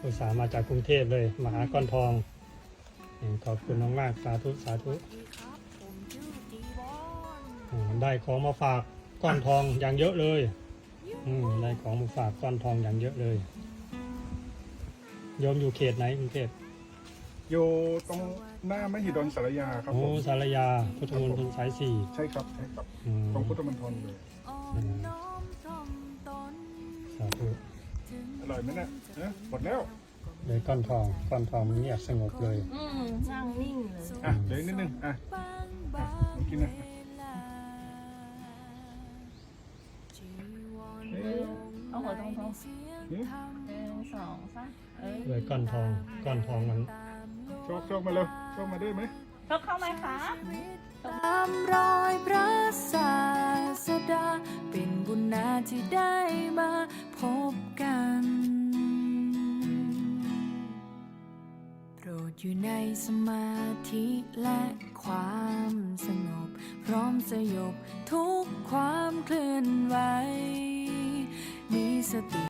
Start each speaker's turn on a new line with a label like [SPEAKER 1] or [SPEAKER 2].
[SPEAKER 1] อุตส่าห์มาจากกรุงเทพเลยมาหาก้อนทองขอบคุณมากๆสาธุสาธุได้ของมาฝากก้อนทองอย่างเยอะเลยได้ของมาฝากก้อนทองอย่างเยอะเลยโยมอยู่เขตไหนกรุงเทพ
[SPEAKER 2] อยู่ตรงหน้ามหิดลสารยาครับผม
[SPEAKER 1] สารยาพุทธมณฑลสายสี่
[SPEAKER 2] ใช่ครับใช่ครับตรงพุทธมณฑลเลย
[SPEAKER 1] สาธุ
[SPEAKER 2] อร่อยไหมเนี่ยหมดแล้ว
[SPEAKER 1] เลยก้อนทองมันเงียบสงบเลย
[SPEAKER 3] นั่งนิ่งเลย
[SPEAKER 2] เดี๋ยวนิดนึงมากินนะ
[SPEAKER 3] เอาหัวตรงๆ1 2 3
[SPEAKER 1] เลยก้อนทองมัน
[SPEAKER 2] โชคมาเร็วโชคมาได้ไหม
[SPEAKER 3] เข้าไหมคะ
[SPEAKER 4] ตามรอยพระศาสดาเป็นบุญนาที่ได้มาพบกันโปรดอยู่ในสมาธิและความสงบพร้อมสยบทุกความเคลื่อนไหวมีสติ